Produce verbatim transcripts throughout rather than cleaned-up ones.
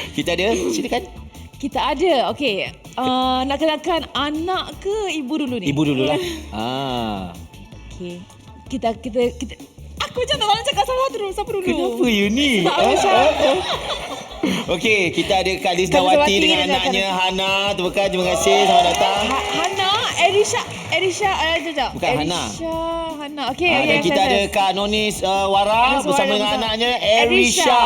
Kita ada, silakan. Kita ada. Okey. Uh, nak kenalkan anak ke ibu dulu ni? Ibu dululah. Ah. Okey. Kita kita kita aku macam tak nak cakap salah terus. Siapa dulu? Kenapa you ni? Tak macam. Okey, kita ada Kak Liznawati dengan anaknya Hana. Terima kasih, terima kasih. Selamat datang. Ha, Hana, Erisha, Erisha, uh, jap. Bukan Hana. Erisha, Hana. Okey, Ah, okey. dan kita ada Kak Nonis uh, Wara Nonis bersama Wara dengan bersama anaknya Erisha. Erisha.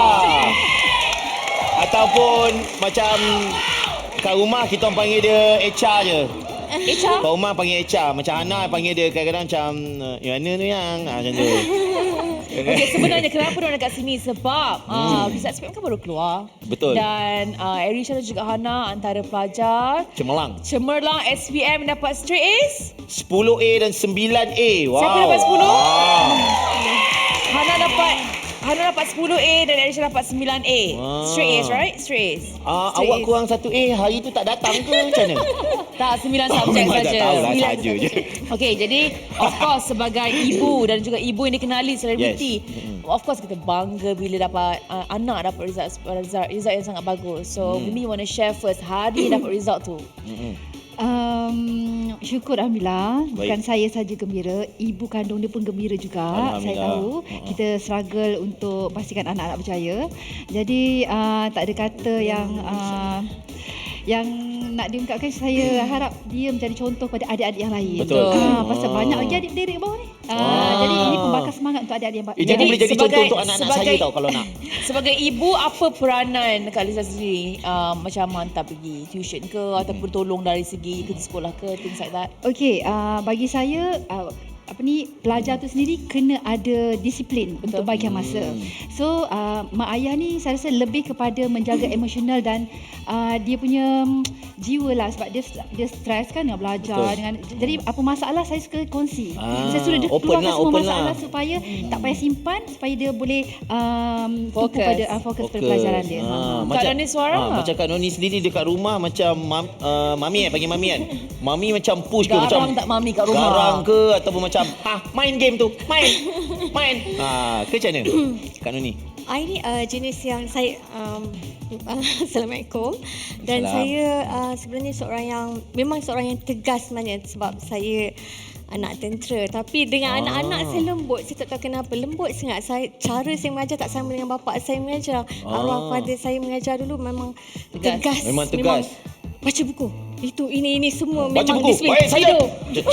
Ataupun macam kat rumah kita orang panggil dia Echa je. Echa? Kat rumah panggil Echa. Macam Hana panggil dia kadang-kadang macam yang mana tu yang ah, macam tu. Okey, sebenarnya kenapa dia dekat sini? Sebab hmm. uh, Visa S P M kan baru keluar. Betul. Dan uh, Erisha dan juga Hana antara pelajar Cemerlang. Cemerlang S P M dapat straight A's. sepuluh A dan sembilan A. Wow. Siapa dapat sepuluh? Wow. Hana dapat Hana dapat sepuluh A dan Erisha dapat sembilan A. Wow. Straight A's, right? Straight A's. Ah, Straight awak A's. kurang satu A hari tu tak datang ke macam mana? Tak, sembilan subjek memang saja. tak tahulah, Sembilan saja je. Okey, jadi of course sebagai ibu dan juga ibu yang dikenali selebriti, Yes. Mm-hmm. of course kita bangga bila dapat uh, anak dapat result, result result yang sangat bagus. So, Mm. Mimi want to share first hari dapat result tu. Mm-mm. Um, syukur Alhamdulillah. Baik. Bukan saya saja gembira, ibu kandung dia pun gembira juga. Saya tahu Uh-huh. kita struggle untuk pastikan anak-anak berjaya. Jadi uh, tak ada kata yang uh, yang nak diungkapkan. Saya harap dia menjadi contoh pada adik-adik yang lain. Betul. Ah, pasal Ah. banyak lagi adik-adik bawah ni. Ah, Ah. Jadi ini pembakar semangat untuk adik-adik yang Eh, jadi Jadi boleh jadi sebagai- contoh untuk anak-anak sebagai- saya tau kalau nak. Sebagai ibu, apa peranan Kak Liza sendiri? Uh, macam hantar pergi tuition ke ataupun tolong dari segi kerja sekolah ke, things like that? Okey, uh, bagi saya uh, apa ni, pelajar tu sendiri kena ada disiplin Betul. untuk bahagian masa. Hmm. So uh, mak ayah ni saya rasa lebih kepada menjaga emosional dan uh, dia punya um, jiwa lah, sebab dia dia stres kan dengan belajar. Betul. Dengan jadi apa masalah saya suka kongsi. Ah, Saya suruh dia open keluarkan lah, semua open masalah lah. supaya tak payah simpan, supaya dia boleh um, tumpu Fokus. pada uh, fokus pada pelajaran dia. Ah, Ha. macam, Noni suara? ah, macam Kak Noni sendiri dekat rumah macam mam, uh, mami eh panggil mami kan. Mami macam push ke Garang macam tak mami kat rumah? garang ke ataupun macam ah main game tu. Main. Main. Ah, ke macam mana? Kak Noni. I ni uh, jenis yang saya um, uh, Assalamualaikum. Dan Salam. saya uh, sebenarnya seorang yang memang seorang yang tegas sebenarnya, sebab saya anak tentera. Tapi dengan Ah. anak-anak saya lembut. Saya tak tahu kenapa lembut sangat. Saya cara saya mengajar tak sama dengan bapa saya mengajar. Ah. Arwah father saya mengajar dulu memang Tegas. tegas. Memang tegas. baca buku. Itu ini ini semua Baca memang buku. disiplin. Baik, saya. Tidur.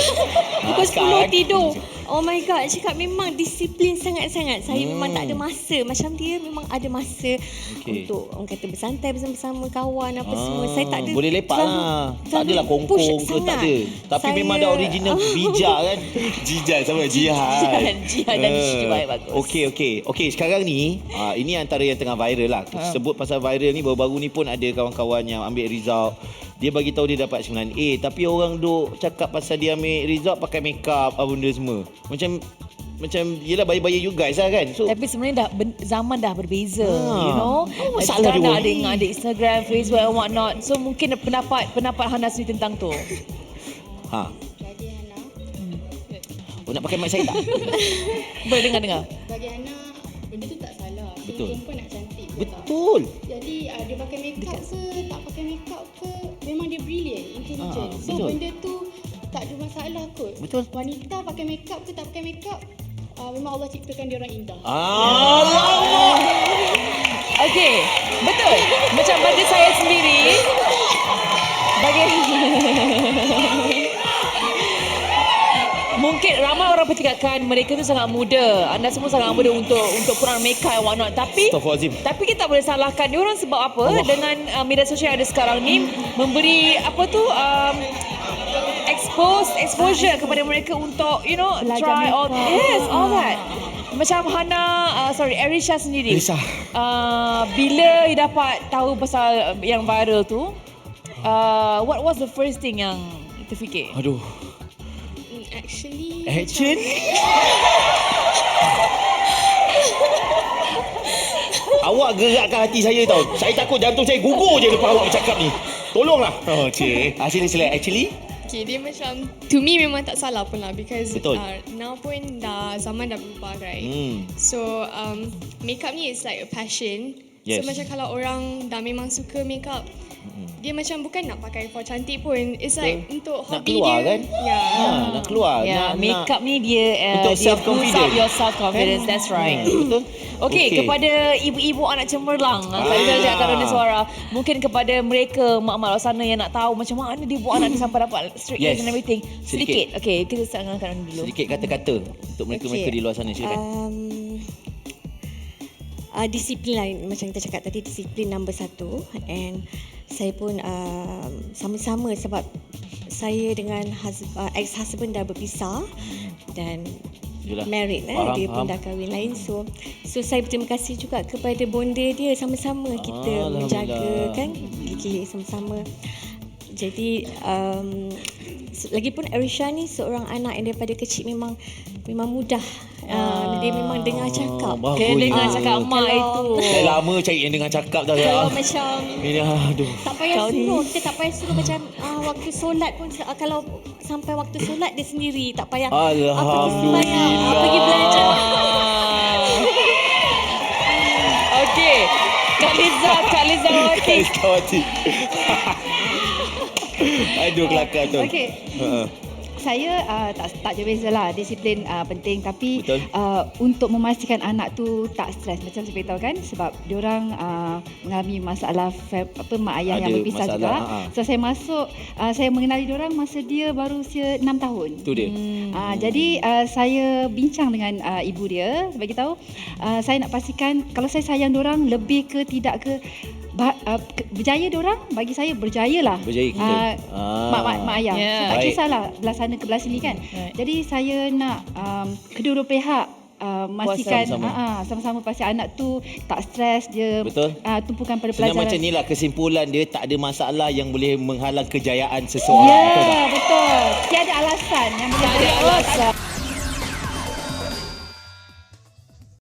Pukul Ah, sepuluh sekarang- tidur. Oh my god, cakap memang disiplin sangat-sangat. Saya Hmm. memang tak ada masa. Macam dia memang ada masa Okey. untuk orang kata bersantai bersama-sama kawan apa Ah, semua. Saya tak ada. boleh lepak terlalu- lah. Tak terlalu adalah push kongkong ke, tak sangat. ada. Tapi Saya- memang ada original bijak kan. Jijal sama jihad. Jihad, jihad dan Ah. jihad, bagus. Okey okey. Okey, sekarang ni ah, ini antara yang tengah viral lah. Ha. Sebut pasal viral ni, baru-baru ni pun ada kawan-kawan yang ambil result. Dia bagi tahu dia dapat sembilan A, tapi orang duk cakap pasal dia ambil result pakai make up apa benda semua. Macam macam yelah bayi-bayi you guys lah kan. So Tapi sebenarnya dah ben, zaman dah berbeza, Ah. you know. Apa masalah Sekarang dia dah orang ada ni? ada Instagram, Facebook and what not. So mungkin pendapat pendapat Hana sendiri tentang tu. ha. Bagi Hana, Oh, nak pakai mic saya tak? Boleh dengar-dengar. bagi Hana benda tu tak salah. Betul. Perempuan nak cantik. betul tak? Betul. Jadi uh, dia pakai make up ke tak pakai make up ke, memang dia brilliant, intelligent. Ah, so betul. benda tu tak ada masalah kot. Betul. Wanita pakai make up ke tak pakai make up, uh, memang Allah ciptakan dia orang indah. Allah. Okey, betul. Macam bagi saya sendiri, bagi mungkin ramai orang percakapkan mereka tu sangat muda. Anda semua sangat muda untuk untuk kurang make up and what not. Tapi Astaghfirullahalazim. tapi kita tak boleh salahkan dia orang sebab apa? Allah. Dengan uh, media sosial yang ada sekarang ni memberi apa tu um, expose exposure kepada mereka untuk you know Belajar try all makeup. yes all that. Macam Hana uh, sorry Erisha sendiri. Erisha. Uh, bila dia dapat tahu pasal yang viral tu, uh, what was the first thing yang terfikir? Aduh. Hmm, Actually, Action. Awak gerakkan hati saya tau. Saya takut jantung saya gugur je lepas awak bercakap ni. Tolonglah. Oh, cik. Ah, sila sila. Actually, Okay, dia macam to me memang tak salah pun lah because Betul. Uh, now pun dah zaman dah berubah right. hmm. So um, makeup ni is like a passion Yes. So macam kalau orang dah memang suka makeup, dia macam bukan nak pakai for cantik pun. It's like untuk Nak hobi keluar dia. kan? Ya. Ha, nak keluar. Ya, nak, makeup nak, ni dia uh, untuk dia self-confidence. boost up your self confidence. That's right. Ha, betul. Okey, okay. kepada ibu-ibu anak cemerlang, ah. Kak Liza cakap Rona Suara, mungkin kepada mereka mak-mak luar sana yang nak tahu macam mana dia buat anak dia sampai dapat straight Yes. A's and everything. Sedikit. Sedikit. Okey, kita sangkan dulu. sedikit kata-kata untuk mereka-mereka Okey. di luar sana, silakan. Um, uh, disiplin lah, macam kita cakap tadi, disiplin number satu. And saya pun uh, sama-sama sebab saya dengan hus- uh, ex-husband dah berpisah dan Yelah. married eh. Faham, Dia faham. pun dah kahwin lain. So so saya berterima kasih juga kepada bonda dia, sama-sama kita Alhamdulillah. menjaga kan gigi sama-sama. Jadi um, lagipun Arisha ni seorang anak yang daripada kecil memang memang mudah. Uh, dia memang dengar cakap. bagus. Dia dengar Ah, cakap mak kalau- itu. Dah lama cari yang dengan cakap dah. Kalau Ya. macam Ini aduh. tak payah Kau ni. suruh, kita tak payah suruh macam uh, waktu solat pun uh, kalau sampai waktu solat dia sendiri, tak payah ah, pergi Alhamdulillah. sembahyang, ah, pergi belajar. Okey. Kak Liza, Kak Liza Wati. Kawati. Aduh kelakar tu. Okey. Ha. Saya uh, tak tak je beza lah, disiplin uh, penting, tapi Betul. uh, untuk memastikan anak tu tak stres, macam saya beritahu kan, sebab diorang uh, mengalami masalah fam, apa mak ayah yang Ada berpisah masalah, juga. ha-ha. So saya masuk, uh, saya mengenali diorang masa dia baru usia enam tahun. Tu dia. Uh, jadi uh, saya bincang dengan uh, ibu dia, bagi tahu uh, saya nak pastikan kalau saya sayang diorang lebih ke tidak ke Ba, uh, ke- berjaya diorang, bagi saya berjayalah. Berjaya kita. Uh, Ah. mak, mak, mak ayah. Ya. So, tak Baik. kisahlah belah sana ke belah sini kan. Right. Jadi saya nak um, kedua-dua pihak uh, memastikan sama-sama. uh, uh, sama-sama pasti anak tu tak stres, dia Betul. uh, tumpukan pada Sebenarnya pelajaran. macam inilah kesimpulan dia, tak ada masalah yang boleh menghalang kejayaan seseorang. Ya, Betul tak? betul. Tiada alasan yang boleh Tak ada jadi alasan. alasan.